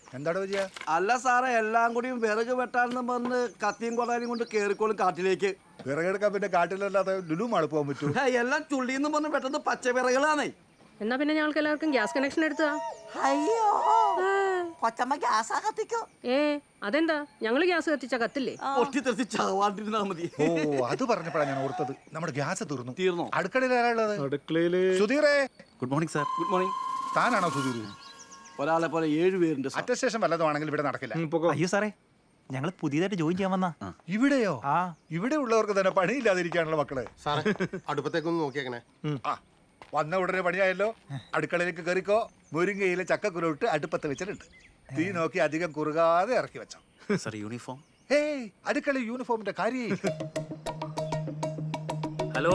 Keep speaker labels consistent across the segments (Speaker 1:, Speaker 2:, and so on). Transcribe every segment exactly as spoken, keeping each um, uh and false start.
Speaker 1: എന്താടോ വിജയ?
Speaker 2: അല്ല സാറേ, എല്ലാം കൂടിയും വിറക് വെട്ടാണെന്ന് പറഞ്ഞ് കത്തിയും കൊടാനും കൊണ്ട് കേറിക്കോളും കാട്ടിലേക്ക്.
Speaker 1: വിറകെടുക്കാൻ പിന്നെ കാട്ടിലല്ലാതെ ലുലു മാള് പോകാൻ പറ്റൂ?
Speaker 2: എല്ലാം ചുള്ളിന്ന് പറഞ്ഞ് പെട്ടെന്ന് പച്ച വിറകളാണേ.
Speaker 3: എന്നാ പിന്നെ ഞങ്ങൾക്ക് എല്ലാവർക്കും ഗ്യാസ് കണക്ഷൻ എടുത്താ?
Speaker 4: അയ്യോ, കൊച്ചമ്മ ഗ്യാസാ കത്തിക്കോ?
Speaker 3: ഏ അതെന്താ, ഞങ്ങള് ഗ്യാസ് കത്തിച്ചാ കത്തില്ലേ?
Speaker 2: പൊട്ടിത്തെറിച്ച് ചാവാണ്ടിരുന്നാ മതി.
Speaker 1: ഓ, അത് പറഞ്ഞപ്പോഴാണ് ഞാൻ ഓർത്തത്, നമ്മുടെ ഗ്യാസ് തീർന്നു.
Speaker 2: തീർന്നോ?
Speaker 1: അടുക്കളയിൽ ആരാളുള്ളത്?
Speaker 5: അടുക്കളയില്
Speaker 1: സുധീറേ.
Speaker 6: Good morning sir.
Speaker 2: Good morning.
Speaker 1: താനാണോ സുധീർ?
Speaker 2: ഒരാളെ പോലെ ഏഴ് പേരുണ്ട്.
Speaker 1: അറ്റസ്റ്റേഷൻ വല്ലതുമാണെങ്കിൽ ഇവിടെ നടക്കില്ല.
Speaker 6: അയ്യോ സാറേ, ഞങ്ങൾ പുതിയതായിട്ട് ജോയിൻ ചെയ്യാൻ വന്നാ.
Speaker 1: ഇവിടെയോ?
Speaker 6: ആ,
Speaker 1: ഇവിടെ ഉള്ളവർക്ക് തന്നെ പണിയില്ലാതിരിക്കാനുള്ള മക്കളെ.
Speaker 5: സാറേ, അടുപ്പത്തേക്കൊന്ന് നോക്കിയേക്കണേ.
Speaker 1: ആ, വന്ന ഉടനെ പണിയായല്ലോ. അടുക്കളയിലേക്ക് കയറിക്കോ. മുരിങ്ങയിലെ ചക്കക്കുരു ഇട്ട് അടുപ്പത്ത് വെച്ചിട്ടുണ്ട്. തീ നോക്കി അധികം കുറുകാതെ ഇറക്കി വെച്ചോ.
Speaker 6: Sir uniform.
Speaker 1: ഏയ്, അടുക്കള യൂണിഫോമിന്റെ കാര്യം.
Speaker 7: ഹലോ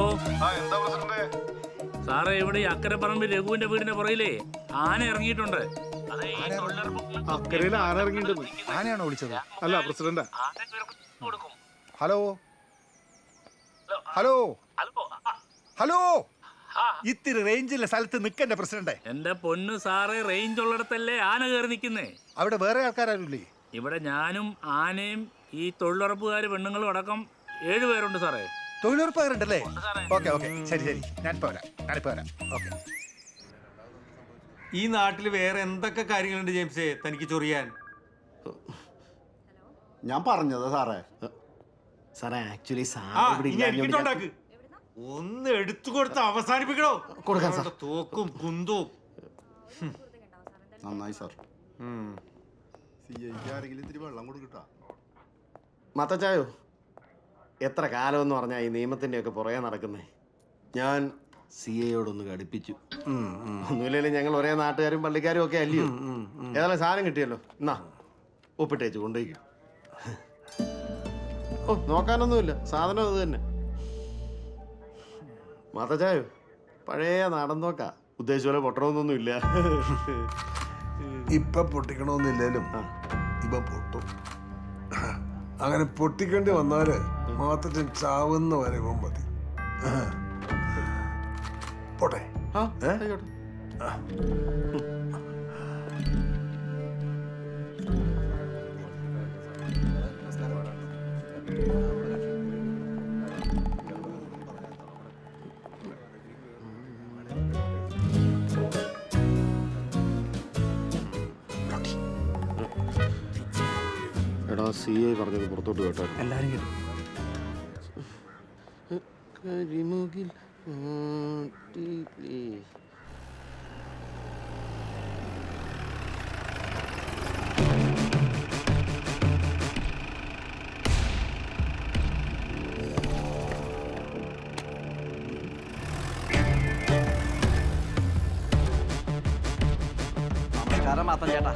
Speaker 7: സാറേ, ഇവിടെ ഈ അക്കരപ്പറമ്പിൽ രഘുവിന്റെ വീടിന്റെ പുറകിലേ ആന ഇറങ്ങിയിട്ടുണ്ട്.
Speaker 5: അക്കരയിൽ ആരിറങ്ങിണ്ടെന്ന്?
Speaker 1: ആനയാണോ വിളിച്ചത്?
Speaker 5: അല്ല, പ്രസിഡന്റാ.
Speaker 1: ഹലോ ഹലോ ഹലോ, ഇത്തിരി റേഞ്ചിലെ സ്ഥലത്ത് നിൽക്കണ്ടേ പ്രസിഡന്റ്?
Speaker 7: എന്റെ പൊന്നു സാറേ, റേഞ്ച് ഉള്ളിടത്തല്ലേ ആന കയറി നിൽക്കുന്നേ.
Speaker 1: അവിടെ വേറെ ആൾക്കാരാരുല്ലേ?
Speaker 7: ഇവിടെ ഞാനും ആനയും ഈ തൊഴിലുറപ്പുകാര് പെണ്ണുങ്ങളും അടക്കം ഏഴുപേരുണ്ട് സാറേ.
Speaker 1: തൊഴിലുറപ്പുകാരുണ്ടല്ലേ? ഓക്കെ ഓക്കെ, ശരി ശരി, ഞാനിപ്പോ വരാം ഞാനിപ്പോ വരാം ഓക്കെ.
Speaker 8: ഈ നാട്ടിൽ വേറെ എന്തൊക്കെ കാര്യങ്ങളുണ്ട് ജെയിംസേ തനിക്ക് ചൊറിയാൻ?
Speaker 5: ഞാൻ പറഞ്ഞതാ സാറേ. സാറേ, ആക്ച്വലി
Speaker 8: എനിക്കിട്ടുണ്ടാക്ക്. ഒന്ന് എടുത്തു കൊടുത്ത് അവസാനിപ്പിക്കണോ?
Speaker 5: കൊടുക്കാം സാർ.
Speaker 8: തോക്കും കുന്തവും.
Speaker 5: നന്നായി സാർ. മത്തച്ചായോ, എത്ര കാലം എന്ന് പറഞ്ഞാൽ ഈ നിയമത്തിന്റെ ഒക്കെ പുറകെ നടക്കുന്നേ. ഞാൻ സി എയോടൊന്ന് കടുപ്പിച്ചു. ഒന്നുമില്ലെങ്കിലും ഞങ്ങൾ ഒരേ നാട്ടുകാരും പള്ളിക്കാരും ഒക്കെ അല്ലയോ. ഏതായാലും സാധനം കിട്ടിയല്ലോ, എന്നാ ഒപ്പിട്ടേച്ച് കൊണ്ടുപോയിക്കും. ഓ, നോക്കാനൊന്നുമില്ല, സാധനം അത് തന്നെ. മത്തച്ചായോ, പഴയ നാടൻ നോക്കാ. ഉദ്ദേശിച്ച പോലെ പൊട്ടണമെന്നൊന്നും ഇല്ല.
Speaker 9: ഇപ്പൊ പൊട്ടിക്കണമെന്നില്ലേലും ഇപ്പൊ പൊട്ടും. അങ്ങനെ പൊട്ടിക്കേണ്ടി വന്നാല് മാത്രം ചാവുന്ന വരെ മതി. പോട്ടെ.
Speaker 5: എടാ, സി ഐ പറഞ്ഞത് പുറത്തോട്ട് കേട്ടോ.
Speaker 6: എല്ലാരും കേട്ടു.
Speaker 5: കരിമുകിൽ
Speaker 2: നമസ്കാരം മാത്രം ചേട്ടാ.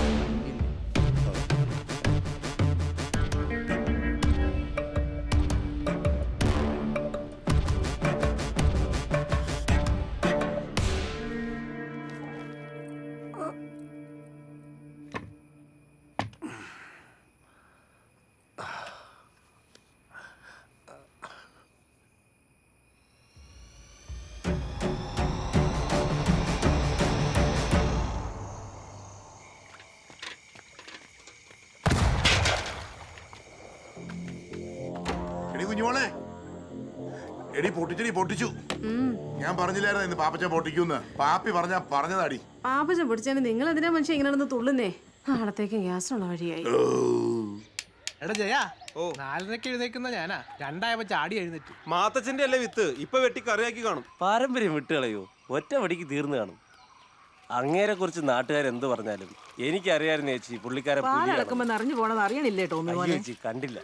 Speaker 10: കുഞ്ഞുമോളെ, എടി പൊട്ടിച്ചടി പൊട്ടിച്ചു. ഞാൻ പറഞ്ഞില്ലായിരുന്നു ഇന്ന് പാപ്പച്ച പൊട്ടിക്കൂന്ന്. പാപ്പി പറഞ്ഞ പറഞ്ഞതാടി.
Speaker 3: പാപ്പച്ചൻ പൊടിച്ചാൽ നിങ്ങൾ എന്തിനാ മനുഷ്യ ഇങ്ങനെ നടന്ന് തുള്ളുന്നേ? നാളത്തേക്ക് ഗ്യാസുള്ള വഴിയായി.
Speaker 11: എടാ ജയ, നാലരക്ക് എഴുന്നേക്കുന്ന ഞാനാ രണ്ടായപ്പോ ചാടി എഴുന്നേറ്റ്.
Speaker 8: മാത്തച്ഛന്റെ അല്ലേ വിത്ത് ഇപ്പൊ വെട്ടി കറിയാക്കി കാണും.
Speaker 12: പാരമ്പര്യം വിട്ടുകളയോ, ഒറ്റ വടിക്ക് തീർന്നു കാണും. അങ്ങേരെ കുറിച്ച് നാട്ടുകാരെന്ത് പറഞ്ഞാലും എനിക്കറിയായിരുന്നു ചേച്ചി. പുള്ളിക്കാരെ
Speaker 3: നിറഞ്ഞു പോണത് അറിയണില്ലേ?
Speaker 12: ചേച്ചി കണ്ടില്ല.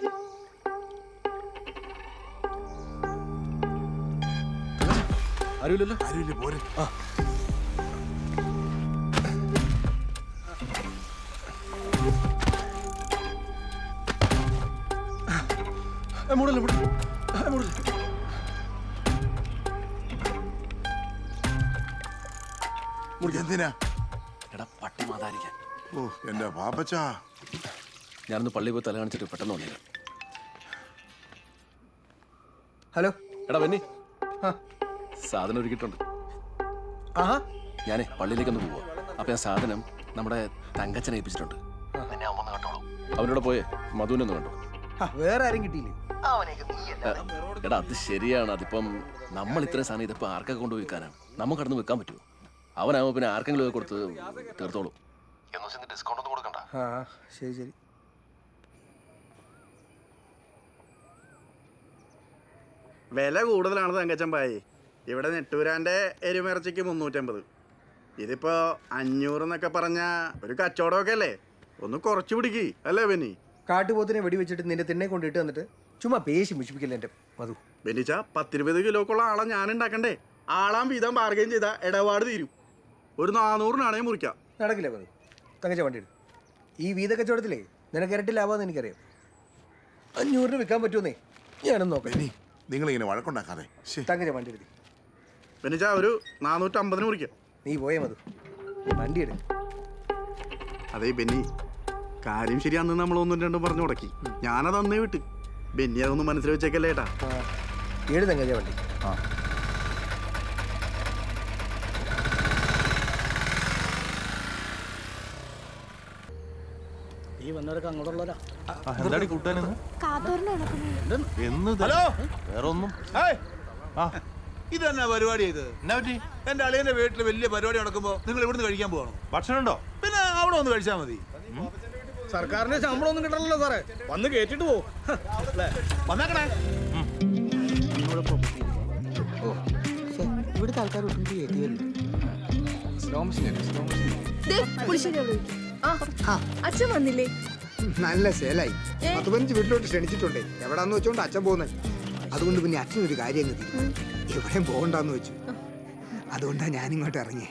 Speaker 10: അറിയില്ലല്ലോ, അറിയില്ല പോരെ. എന്തിനാ?
Speaker 6: എടാ, പട്ടി മാതാരിക്കാൻ.
Speaker 10: ഓ, എന്റെ പാപ്പച്ച.
Speaker 6: ഞാനൊന്ന് പള്ളി പോയി തല കാണിച്ചിട്ട് പെട്ടെന്ന് വന്നേക്കാം.
Speaker 11: ഹലോ
Speaker 6: എടാ ബെന്നി, സാധനം ഒരുക്കിയിട്ടുണ്ട്. ഞാനേ പള്ളിയിലേക്കൊന്ന് പോവാ. അപ്പൊ ഞാൻ സാധനം നമ്മുടെ തങ്കച്ചനെ ഏൽപ്പിച്ചിട്ടുണ്ട്. അവനോട് പോയേ മധുവിനൊന്ന് കണ്ടു.
Speaker 11: വേറെ ആരും കിട്ടിയില്ലേ?
Speaker 6: എടാ അത് ശരിയാണ്. അതിപ്പം നമ്മൾ ഇത്രയും സാധനം ഇതിപ്പോ ആർക്കൊക്കെ കൊണ്ട് വിൽക്കാനാണ്? നമുക്ക് കടന്ന് വിൽക്കാൻ പറ്റുമോ? അവനാവുമ്പോ പിന്നെ ആർക്കെങ്കിലും കൊടുത്ത് തീർത്തോളും. ഡിസ്കൗണ്ട് ഒന്നും കൊടുക്കണ്ട.
Speaker 11: ആ ശരി ശരി.
Speaker 5: വില കൂടുതലാണ് തങ്കച്ചമ്പായി. ഇവിടെ നെട്ടൂരാൻ്റെ എരുമിറച്ചിക്ക് മുന്നൂറ്റമ്പത്. ഇതിപ്പോ അഞ്ഞൂറ് എന്നൊക്കെ പറഞ്ഞ ഒരു കച്ചവടമൊക്കെ അല്ലേ? ഒന്ന് കുറച്ച് പിടിക്ക് അല്ലേ ബെന്നി?
Speaker 11: കാട്ടുപോത്തിനെ വെടി വെച്ചിട്ട് നിന്റെ തിണ്ണെ കൊണ്ടിട്ട് വന്നിട്ട് ചുമ്മാ പേശി മുഷിപ്പിക്കില്ല എൻ്റെ മധു.
Speaker 5: ബെന്നിച്ച പത്തിരുപത് കിലോക്കുള്ള ആളെ ഞാൻ ഉണ്ടാക്കണ്ടേ? ആളാം വീതം ബാർഗൈൻ ചെയ്താൽ ഇടപാട് തീരും. ഒരു നാനൂറിനാണേ മുറിക്കാം.
Speaker 11: നടക്കില്ല മധു. തങ്കച്ച വണ്ടി എടുക്കും. ഈ വീത കച്ചവടത്തിലേ നിനക്ക് ഇരട്ടി ലാഭമെന്ന് എനിക്കറിയാം. അഞ്ഞൂറിന് വിൽക്കാൻ പറ്റുമെന്നേ ഞാനൊന്ന് നോക്കാം.
Speaker 10: നിങ്ങൾ ഇങ്ങനെ വഴക്കുണ്ടാക്കാതെ.
Speaker 11: തങ്കച്ച വണ്ടി എടുത്തി.
Speaker 5: ബെന്നിച്ച ഒരു നാനൂറ്റമ്പതിന് മുറിക്കാം.
Speaker 11: നീ പോയേ മധു. വണ്ടി എടുക്കും.
Speaker 5: അതേ ബെന്നി, കാര്യം ശരി. അന്ന് നമ്മൾ ഒന്നും രണ്ടും പറഞ്ഞു മുടക്കി. ഞാനത് അന്നേ വിട്ട്. ബെന്നി അതൊന്ന് മനസ്സിൽ വെച്ചേക്കല്ലേ ഏട്ടാ.
Speaker 11: ഏഴ് തങ്കച്ച വണ്ടി.
Speaker 5: ആ
Speaker 2: ഈ വന്നവരൊക്കെ അങ്ങോട്ടുള്ളവരാ.
Speaker 6: എന്താടി കൂട്ടാനെന്ന്?
Speaker 1: ഹലോ,
Speaker 6: വേറെ ഒന്നും.
Speaker 1: ഇത് തന്നെ പരിപാടി ചെയ്ത് എന്റെ അളിയന്റെ വീട്ടിൽ വലിയ പരിപാടി നടക്കുമ്പോ നിങ്ങൾ ഇവിടുന്ന് കഴിക്കാൻ പോകണം?
Speaker 6: ഭക്ഷണം ഉണ്ടോ?
Speaker 1: പിന്നെ അവിടെ ഒന്ന് കഴിച്ചാൽ മതി.
Speaker 2: സർക്കാരിന്റെ ശമ്പളം ഒന്നും കിട്ടണല്ലോ സാറേ. വന്ന് കേട്ടിട്ട് പോ.
Speaker 1: വന്നേക്കണേ.
Speaker 11: ഇവിടുത്തെ ആൾക്കാർ
Speaker 3: അച്ഛൻ വന്നില്ലേ?
Speaker 11: നല്ല സേലായി. പത്ത് പതിനഞ്ച് വീട്ടിലോട്ട് ക്ഷണിച്ചിട്ടുണ്ടേ. എവിടാന്ന് വെച്ചോണ്ട് അച്ഛൻ പോകുന്നത്. അതുകൊണ്ട് പിന്നെ അച്ഛനൊരു കാര്യം അങ്ങ് തീരുമാനം. എവിടെയും പോകണ്ടെന്ന് വെച്ചു. അതുകൊണ്ടാ ഞാനിങ്ങോട്ട് ഇറങ്ങി.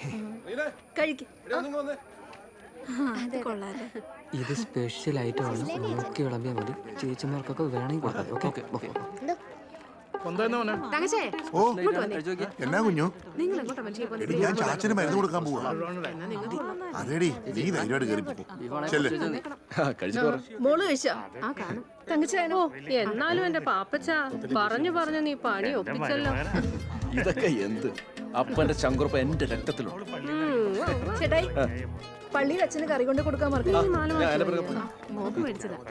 Speaker 13: ഇത് സ്പെഷ്യൽ ഐറ്റമാണ്. നോക്കി വിളമ്പിയാൽ മതി. ചേച്ചിമാർക്കൊക്കെ വേണമെങ്കിൽ
Speaker 10: എന്നാ കുഞ്ഞു?
Speaker 3: നിങ്ങൾ എങ്ങോട്ടാ മനുഷ്യ
Speaker 10: എടി ഞാൻ ചാച്ചന് മരുന്ന് കൊടുക്കാൻ പോവാ. അതേടി നീ ധൈര്യമായിട്ട് കയറി
Speaker 3: മോള് കഴിച്ചോ? ആ കാണും. തങ്കച്ചേനോ എന്നാലും എന്റെ പാപ്പച്ച പറഞ്ഞു പറഞ്ഞു നീ പണി ഒപ്പിച്ചല്ലോ.
Speaker 6: ഇതൊക്കെ എന്ത്? അപ്പന്റെ ചങ്കുറപ്പ് എന്റെ രക്തത്തിലുണ്ട്.
Speaker 3: ചേട്ടായി പള്ളിയിൽ അച്ഛന് കറി കൊണ്ട് കൊടുക്കാൻ മോക്ക് മേടിച്ചതാ.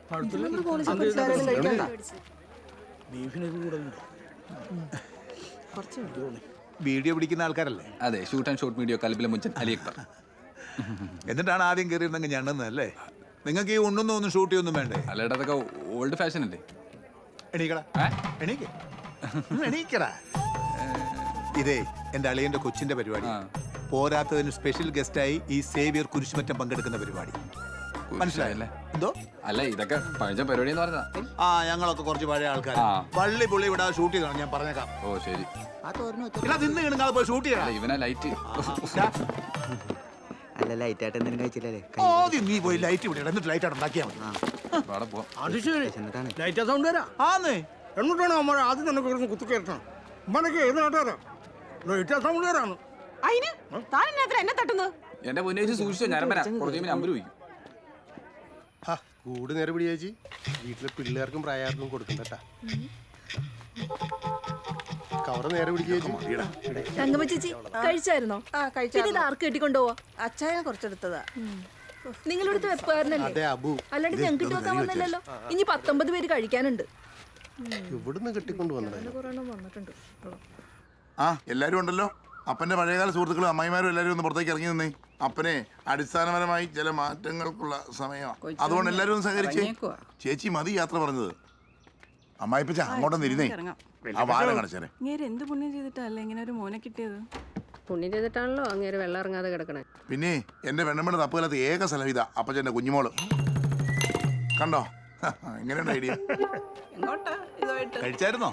Speaker 1: വീഡിയോ പിടിക്കുന്ന ആൾക്കാരല്ലേ?
Speaker 6: അതെ, ഷൂട്ട് ആൻഡ് ഷോട്ട് വീഡിയോ കലബിലെ മുഞ്ചൻ അലി അക്ബർ.
Speaker 1: എന്നിട്ടാണ് ആദ്യം കയറിയിരുന്നെങ്കിൽ ഞണ്ണുന്നല്ലേ? നിങ്ങൾക്ക് ഈ ഉണ്ണൊന്നും ഒന്നും ഷൂട്ട് ചെയ്യൊന്നും വേണ്ടേ?
Speaker 6: അല്ലേടാ, അതൊക്കെ ഓൾഡ് ഫാഷൻ അല്ലേ?
Speaker 1: എണീക്കടാ, എണീക്ക എണീക്കടാ. ഇതേ എന്റെ അളിയന്റെ കൊച്ചിന്റെ പരിപാടി. പോരാത്തതിന് സ്പെഷ്യൽ ഗസ്റ്റായി ഈ സേവിയർ കുരിശുമറ്റം പങ്കെടുക്കുന്ന പരിപാടി. മനസ്സിലായല്ലേ? എന്തോ
Speaker 6: അല്ല, ഇതൊക്കെ പഴയ പരിപാടി എന്ന് പറഞ്ഞാ.
Speaker 1: ആ, ഞങ്ങളൊക്കെ കുറച്ച് പഴയ ആൾക്കാർ. പള്ളി പുള്ളി ഇവിടെ ഷൂട്ട് ചെയ്താണ് ഞാൻ പറഞ്ഞേക്കാം.
Speaker 6: ഓ ശരി.
Speaker 1: നിന്ന് കിണങ്ങാതെ പോയി ഷൂട്ട് ചെയ്യണം.
Speaker 6: ഇവനാ ലൈറ്റ്.
Speaker 11: അല്ല ലൈറ്റ് ആയിട്ട് എന്തെങ്കിലും കഴിച്ചില്ലേ?
Speaker 1: ആദ്യം നീ പോയി ലൈറ്റ് ഇവിടെ എന്നിട്ട് ലൈറ്റ് അവിടെ ഉണ്ടാക്കിയാൽ മതി.
Speaker 2: ലൈറ്റ് സൗണ്ട് വരാ.
Speaker 1: ആന്നേ
Speaker 2: എന്നിട്ടാണ് അമ്മ ആദ്യം തന്നെ കുത്തിക്കേറ്റണം. ഉമ്മനൊക്കെ ഏത് നാട്ടുകാരാ? ലൈറ്റ് സൗണ്ട് വരാണ്.
Speaker 3: എന്നെ തട്ടുന്നത്
Speaker 6: എന്റെ മുന്നേച്ച് സൂക്ഷിച്ചോ. ഞാൻ കുറച്ച് നമ്പർ വയ്ക്കും.
Speaker 5: കൂട് നേരെ പിടി ചേച്ചി. വീട്ടിലെ പിള്ളേർക്കും പ്രായാർക്കും കൊടുക്കണ്ടട്ടാ. കവറ് നേരെ പിടിക്കുക.
Speaker 3: തങ്കമ്മ ചേച്ചി കഴിച്ചായിരുന്നോ?
Speaker 4: ആ കഴിച്ചു.
Speaker 3: ഇത് ആർക്ക് കെട്ടിക്കൊണ്ടുപോവാ?
Speaker 4: അച്ചായൻ കുറച്ചെടുത്തതാ.
Speaker 3: നിങ്ങളിവിടുത്തെ വെപ്പുകാരനല്ലേ? അല്ലാണ്ട് ഞങ്ങൾക്ക് ഇട്ട് വെക്കാൻ വന്നില്ലല്ലോ. ഇനി പത്തൊമ്പത് പേര് കഴിക്കാനുണ്ട്.
Speaker 5: ഇവിടുന്ന് കെട്ടിക്കൊണ്ട് വന്നത്.
Speaker 10: ആ എല്ലാരും ഉണ്ടല്ലോ. അപ്പന്റെ പഴയകാല സുഹൃത്തുക്കളും അമ്മായിമാരും എല്ലാവരും ഒന്ന് പുറത്തേക്ക് ഇറങ്ങി നിന്നേ. അപ്പനെ അടിസ്ഥാനപരമായി ചില മാറ്റങ്ങൾക്കുള്ള സമയമാണ്. അതുകൊണ്ട് എല്ലാവരും ഒന്ന് സഹകരിച്ചേ. ചേച്ചി മതി യാത്ര പറഞ്ഞത്. അമ്മായിപ്പച്ച അങ്ങോട്ടൊന്ന് ഇരുന്നേ. ആ വാരം കണച്ചേരെ.
Speaker 3: എന്ത് പുണ്യം ചെയ്തിട്ടല്ലേ ഇങ്ങനെ ഒരു മോനെ കിട്ടിയത്? പുണ്യം ചെയ്തിട്ടാണല്ലോ അങ്ങേര് വെള്ളം ഇറങ്ങാതെ കിടക്കണേ.
Speaker 10: പിന്നെ എന്റെ പെണ്ണമ്മയുടെ തപ്പുകാലത്ത് ഏക സ്ഥലം ഇതാ അപ്പച്ചന്റെ കുഞ്ഞുമോള്. കണ്ടോ എങ്ങനെയുണ്ട് ഐഡിയ?
Speaker 1: കഴിച്ചായിരുന്നോ?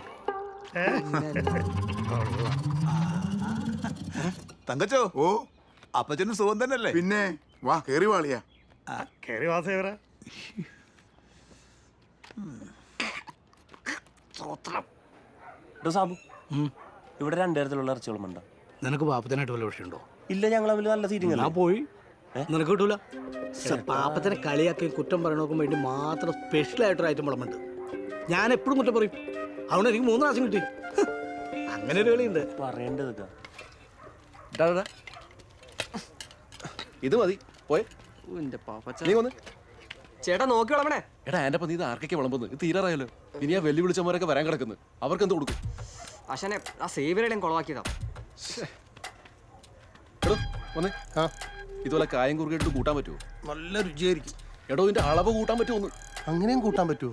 Speaker 1: തങ്കച്ചോ, ഓ അപ്പച്ചനും സുഖം തന്നെയല്ലേ?
Speaker 10: പിന്നെ വാ കേറി വാളിയാ.
Speaker 2: കേറി വാസേവരാ.
Speaker 12: സാബു, ഇവിടെ രണ്ടുതരത്തിലുള്ള ഇറച്ചികളുമുണ്ടോ?
Speaker 2: നിനക്ക് പാപ്പത്തിനായിട്ട് വല്ല വിഷയമുണ്ടോ?
Speaker 12: ഇല്ല, ഞങ്ങൾ തമ്മിൽ നല്ല സീറ്റിംഗ്.
Speaker 2: ഞാൻ പോയി. നിനക്ക് കിട്ടൂല. പാപ്പത്തിനെ കളിയാക്കി കുറ്റം പറയണോക്കും വേണ്ടി മാത്രം സ്പെഷ്യൽ ആയിട്ടൊരു ഐറ്റം വിളമ്പുണ്ട്. ഞാൻ എപ്പോഴും കുറ്റം പറയും. അതുകൊണ്ട് എനിക്ക് മൂന്ന് പ്രാവശ്യം കിട്ടി. അങ്ങനെ ഒരു കളിയുണ്ട്.
Speaker 12: പറയേണ്ടത്
Speaker 6: ഇത് മതി. പോയെ
Speaker 13: എന്റെ പാപ്പച്ച
Speaker 6: നീ വന്ന്.
Speaker 13: ചേട്ടാ നോക്കി വിളമ്പണേ.
Speaker 6: എടാ എൻ്റെ അപ്പം നീ ഇത് ആർക്കൊക്കെ വിളമ്പുന്നത്? ഇത് തീരാറായല്ലോ. ഇനി ആ വെല്ലു വിളിച്ചവരൊക്കെ വരാൻ കിടക്കുന്നു. അവർക്ക് എന്ത് കൊടുക്കും?
Speaker 13: അശനെ ആ സേവിയറുടെയും കുളവാക്കിയതാ.
Speaker 6: എടോ വന്നേ. ആ ഇതുപോലെ കായം കുറുകിട്ട് കൂട്ടാൻ പറ്റുമോ?
Speaker 1: നല്ല രുചിയായിരിക്കും.
Speaker 6: എടോ ഇതിന്റെ അളവ് കൂട്ടാൻ പറ്റുമോ?
Speaker 5: അങ്ങനെയും കൂട്ടാൻ പറ്റുമോ?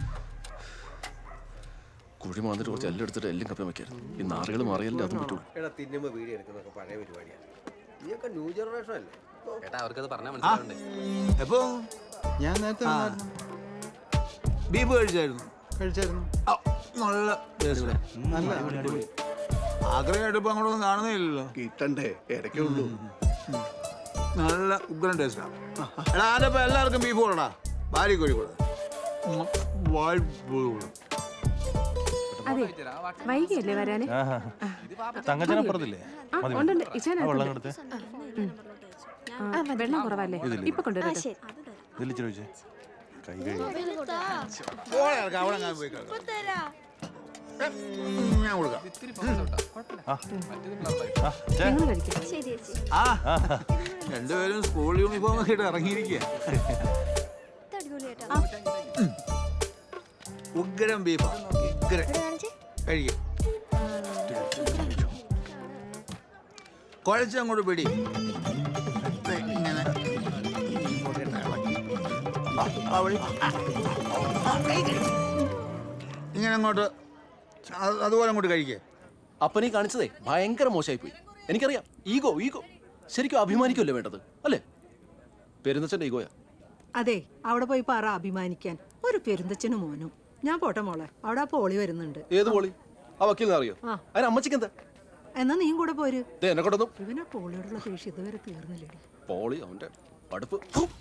Speaker 6: കുഴി മാന്നിട്ട് കുറച്ച് എല്ലാം എടുത്തിട്ട് എല്ലാം കപ്പ വെക്കായിരുന്നു. ഈ നാറുകൾ മാറിയല്ലേ അതും പറ്റുള്ളൂ.
Speaker 5: എടാ തിന്നുമ്പോ വീഡിയോ എടുക്കുന്നതൊക്കെ പഴയ പരിപാടിയാണ്. നീയൊക്കെ ന്യൂ ജനറേഷൻ അല്ലേ?
Speaker 13: ചേട്ടാ അവർക്കത് പറഞ്ഞാൽ മനസ്സിലാവണ്ടേ?
Speaker 1: എപ്പോ ഞാൻ നേരത്തെ ബീഫ് കഴിച്ചായിരുന്നു കഴിച്ചായിരുന്നു നല്ല ടേസ്റ്റ്. നല്ല ആഗ്രഹമായിട്ട് ഇപ്പൊ അങ്ങോട്ടൊന്നും കാണുന്നില്ലല്ലോ.
Speaker 5: കിട്ടണ്ടേ ഇടയ്ക്കേ ഉള്ളൂ.
Speaker 1: നല്ല ഉഗ്രൻ ടേസ്റ്റാ. എടാ അതിപ്പോ എല്ലാവർക്കും ബീഫ് കൊടുടാ. ഭാര്യ കോഴി കൊടു.
Speaker 3: അതെ വൈകിയല്ലേ വരാന്?
Speaker 8: തങ്കച്ചനപ്പുറത്തില്ലേ?
Speaker 3: ഉണ്ടുണ്ട് വെള്ളം കുറവല്ലേ? ഇപ്പൊ കൊണ്ടുവരാം.
Speaker 8: കൈ കഴി
Speaker 1: അവിടെ ഞാൻ പോയി കിടക്കാം. ഞാൻ കൊടുക്കാം.
Speaker 3: നിങ്ങൾ കഴിക്കും.
Speaker 1: ആ രണ്ടുപേരും സ്കൂൾ യൂണിഫോം ഒക്കെ ഇട്ട് ഇറങ്ങിയിരിക്കുക. ഉഗ്രം ബീഫാ. ഉഗ്രം കഴിക്കും. കുഴച്ചങ്ങോട്ട് പിടി. ഇങ്ങനെ ഇങ്ങനെ അങ്ങോട്ട് അതുപോലെ അങ്ങോട്ട് കഴിക്കേ.
Speaker 6: അപ്പനീ കാണിച്ചതേ ഭയങ്കര മോശമായി പോയി. എനിക്കറിയാം. ഈഗോ ഈഗോ ശരിക്കും അഭിമാനിക്കുമല്ലേ വേണ്ടത് അല്ലേ? പെരുന്നച്ചന്റെ ഈഗോയാ.
Speaker 14: അതെ അവിടെ പോയി പറ അഭിമാനിക്കാൻ. ഒരു പെരുന്തച്ഛനും മോനും. ഞാൻ പോട്ടെ മോളെ, അവിടെ ആ പോളി വരുന്നുണ്ട്.
Speaker 6: ഏത് പോളി? ആ വക്കീലിനെ അറിയോ? അതിന് അമ്മച്ചിക്ക് എന്താ?
Speaker 14: എന്നാ നീയും കൂടെ പോര്.
Speaker 6: എന്നെ കൊണ്ടൊന്നും
Speaker 14: ഇവനാ പോളിയോടുള്ള ദേഷ്യം ഇതുവരെ തീർന്നില്ലേ?
Speaker 6: പോളി അവന്റെ അടുപ്പ്.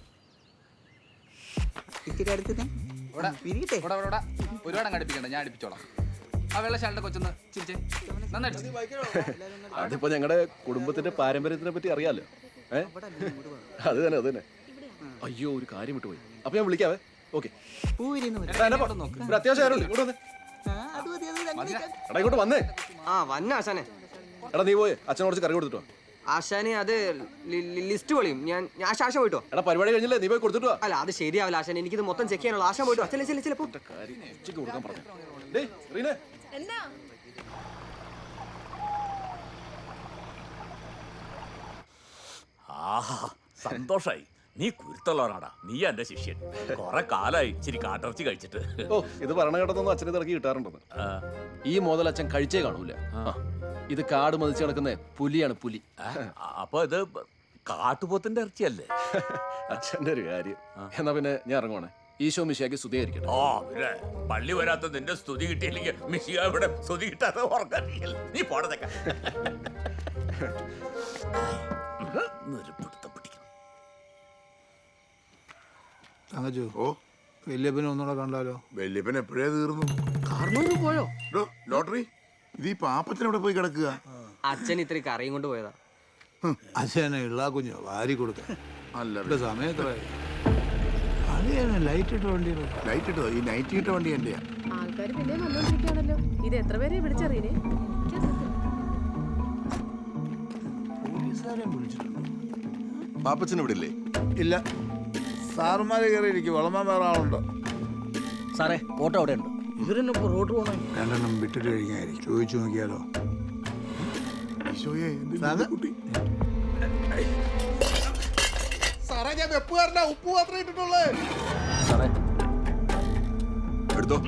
Speaker 13: ഒരുപാട് അങ്ങ് അടുപ്പിക്കണ്ട, ഞാൻ അടുപ്പിച്ചോളാം. ആ വെള്ളശാലിന്റെ കൊച്ചൊന്ന് ചിരിച്ചേ. നന്നായിട്ട്
Speaker 6: അതിപ്പോ ഞങ്ങളുടെ കുടുംബത്തിന്റെ പാരമ്പര്യത്തിനെ പറ്റി അറിയാലോ. ഏ അത് തന്നെ അത് തന്നെ. അയ്യോ ഒരു കാര്യം വിട്ടുപോയി. അപ്പൊ ഞാൻ വിളിക്കാവേ. ഓക്കെ അത്യാവശ്യം ആരുണ്ട് ഇങ്ങോട്ട് വന്നേ. എടാ ഇങ്ങോട്ട് വന്നേ.
Speaker 13: ആ വന്ന ആശാനെ.
Speaker 6: എടാ നീ പോയേ അച്ഛൻ കുറച്ച് കറി കൊടുത്തിട്ടോ.
Speaker 13: ആശാനെ അത് ലിസ്റ്റ് പൊളിയും. ഞാൻ ആശ ആശ പോയിട്ടോ.
Speaker 6: എടാ പരിപാടി കഴിഞ്ഞില്ലേ നീ പോയി കൊടുത്തിട്ടോ.
Speaker 13: അല്ല അത് ശരിയാവില്ല ആശാൻ, എനിക്കിത് മൊത്തം ചെക്ക് ചെയ്യാനുള്ള. ആശാൻ പോയിട്ടോ. ചില ചില ചിലപ്പോ
Speaker 6: കൊടുക്കാൻ പറഞ്ഞു. ഡേയ് റീനെ
Speaker 15: ആഹാ സന്തോഷായി. നീ കുരുത്തുള്ളവനാടാ. നീ എന്റെ ശിഷ്യൻ. കൊറേ കാലായി ഇച്ചിരി കാട്ടിറച്ചി കഴിച്ചിട്ട്.
Speaker 6: ഓ ഇത് പറഞ്ഞ കേട്ടതൊന്നും അച്ഛനെ തിറക്കി കിട്ടാറുണ്ടെന്ന്. ഈ മുതൽ അച്ഛൻ കഴിച്ചേ കാണൂല. ഇത് കാട് മതിച്ച് കിടക്കുന്ന പുലിയാണ് പുലി.
Speaker 15: അപ്പൊ ഇത് കാട്ടുപോത്തിന്റെ ഇറച്ചിയല്ലേ?
Speaker 6: അച്ഛന്റെ ഒരു കാര്യം. എന്നാ പിന്നെ ഞാൻ ഇറങ്ങുവാണേ. ഈശോ മിശിയാക്കി സ്തുതിയായിരിക്കട്ടെ.
Speaker 15: ഓ പിന്നെ പള്ളി വരാത്ത നിന്റെ സ്തുതി കിട്ടിയില്ലെങ്കിൽ മിശിക ഇവിടെ സ്തുതി കിട്ടാതെ ഉറങ്ങില്ല. നീ പോടത്തേക്ക
Speaker 1: തങ്കച്ചു. ഓ വല്യപ്പനെ ഒന്നുകൂടെ കണ്ടാലോ?
Speaker 10: വല്യപ്പൻ എപ്പോഴേ തീർന്നു.
Speaker 2: കാരണവര് പോയോ?
Speaker 10: ലോട്ടറി ഇത് ഈ പാപ്പത്തിന് ഇവിടെ പോയി കിടക്കുക.
Speaker 13: അച്ഛൻ ഇത്ര കറിയും കൊണ്ട് പോയതാ.
Speaker 1: അച്ഛനെ ഇള്ള കുഞ്ഞോ വാരി കൊടുക്കാൻ.
Speaker 10: അല്ല
Speaker 1: സമയത്ത് ലൈറ്റ് ഇട്ട വണ്ടി.
Speaker 10: ലൈറ്റ് ഇട്ടോ? ഈ നൈറ്റ് ഇട്ട വണ്ടി എന്റെയാ.
Speaker 3: ആൾക്കാർ പിന്നെ വന്നോണ്ടിരിക്കുകയാണല്ലോ. ഇത് എത്ര പേരെ വിളിച്ചറിയേ?
Speaker 10: പാപ്പച്ചൻ ഇവിടെ ഇല്ലേ?
Speaker 1: ഇല്ല സാറുമാര് കയറിയിരിക്കും. വളമാൻ വേറെ ആളുണ്ടോ?
Speaker 2: സാറേ ഓട്ടോ അവിടെ ഉണ്ട്. ഇവരെന്നെ റോഡ് പോണേ.
Speaker 1: രണ്ടെണ്ണം വിട്ടിട്ട് കഴിഞ്ഞായിരിക്കും. ചോദിച്ചു നോക്കിയാലോ? കുട്ടി സാറേ ഞാൻ വെപ്പുകാരനാ. ഉപ്പ് മാത്രമേ ഇട്ടിട്ടുള്ളേ.
Speaker 6: സാറേ എടുത്തോ.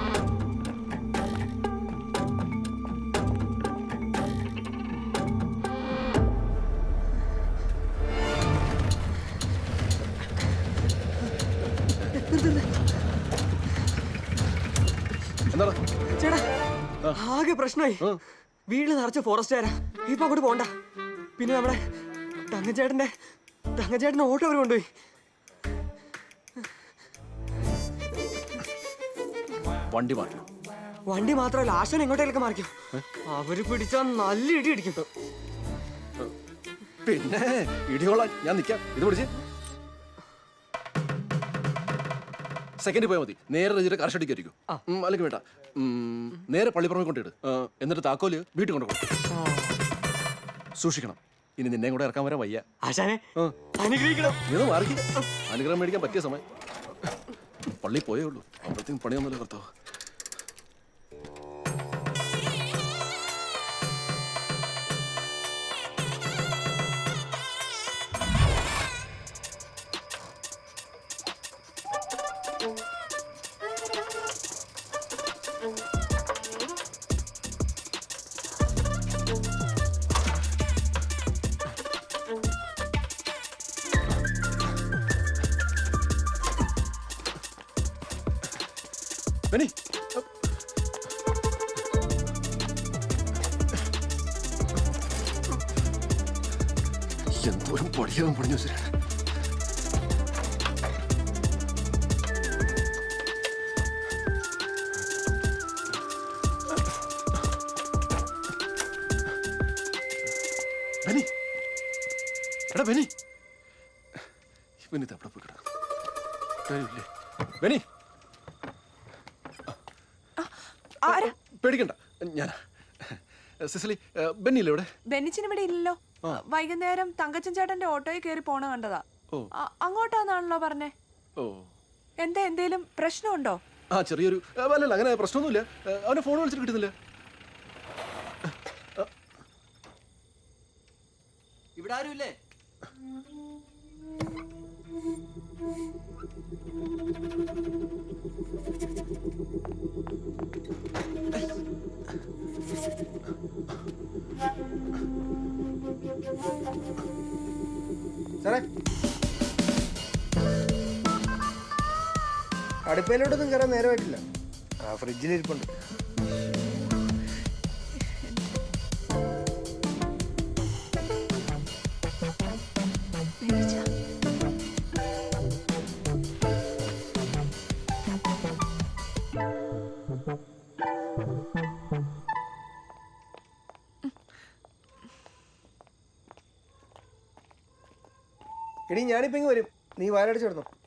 Speaker 13: ചേട്ടാ ആകെ പ്രശ്നമായി. വീട്ടിൽ നിറച്ച ഫോറസ്റ്റുകാരാ. ഇപ്പൊ അങ്ങോട്ട് പോണ്ട. പിന്നെ നമ്മുടെ തങ്കച്ചേട്ടന്റെ തങ്കച്ചേട്ടന്റെ ഓട്ടോ അവർ കൊണ്ടുപോയി.
Speaker 6: വണ്ടി മാറ്റും.
Speaker 13: വണ്ടി മാത്രമല്ല ആശാൻ എങ്ങോട്ടേലൊക്കെ മാറിക്കും. അവര് പിടിച്ചാൽ നല്ല ഇടി ഇടിക്കും.
Speaker 6: പിന്നെ ഇടിയോളാൻ ഞാൻ നിൽക്കാം. ഇത് പിടിച്ച് സെക്കൻഡ് പോയാൽ മതി. നേരെ രജിയുടെ കർഷടിക്കായിരിക്കും. അല്ലെങ്കിൽ വേണ്ട, നേരെ പള്ളിപ്പുറമെ കൊണ്ടിട്ട് എന്നിട്ട് താക്കോല് വീട്ടിൽ കൊണ്ടുപോകും. സൂക്ഷിക്കണം. ഇനി നിന്നെ കൂടെ ഇറക്കാൻ വരാൻ വയ്യ.
Speaker 13: ആശാനെ അനുഗ്രഹിക്കണം.
Speaker 6: നീ മാറി. അനുഗ്രഹം മേടിക്കാൻ പറ്റിയ സമയം. പള്ളി പോയേ ഉള്ളൂ, അപ്പോഴത്തേക്കും പണിയൊന്നുമില്ല കർത്താവ്. ബെന്നി, എന്തോരം പടിയാവും പണിഞ്ഞു വെച്ചിട്ട്. ബെന്നി, എടാ ബെന്നി, ബെന്നി എവിടെ പോയി കിടക്കും? കാര്യമില്ലേ ബെന്നി? പേടിക്കണ്ട, ഞാൻ സിസിലി. ബെന്നില്ലേ ഇവിടെ?
Speaker 16: ബെന്നിച്ചിന് ഇവിടെ ഇല്ലല്ലോ. വൈകുന്നേരം തങ്കച്ചൻ ചേട്ടന്റെ ഓട്ടോയിൽ കയറി പോണ കണ്ടതാ. അങ്ങോട്ടാന്നാണല്ലോ പറഞ്ഞേ.
Speaker 6: ഓ,
Speaker 16: എന്താ എന്തേലും പ്രശ്നമുണ്ടോ?
Speaker 6: ആ ചെറിയൊരു, അല്ലല്ല അങ്ങനെ പ്രശ്നമൊന്നുമില്ല. അവനെ ഫോൺ വിളിച്ചിട്ട് കിട്ടുന്നില്ല.
Speaker 13: ഇവിടെ ആരുമില്ലേ?
Speaker 11: സാറേ, അടുപ്പയിലോട്ടൊന്നും കയറാൻ നേരമായിട്ടില്ല. ആ ഫ്രിഡ്ജിലിരിപ്പുണ്ട്. എടീ, ഞാനിപ്പോ ഇങ്ങ് വരും, നീ വാലടിച്ചു കിടന്നു.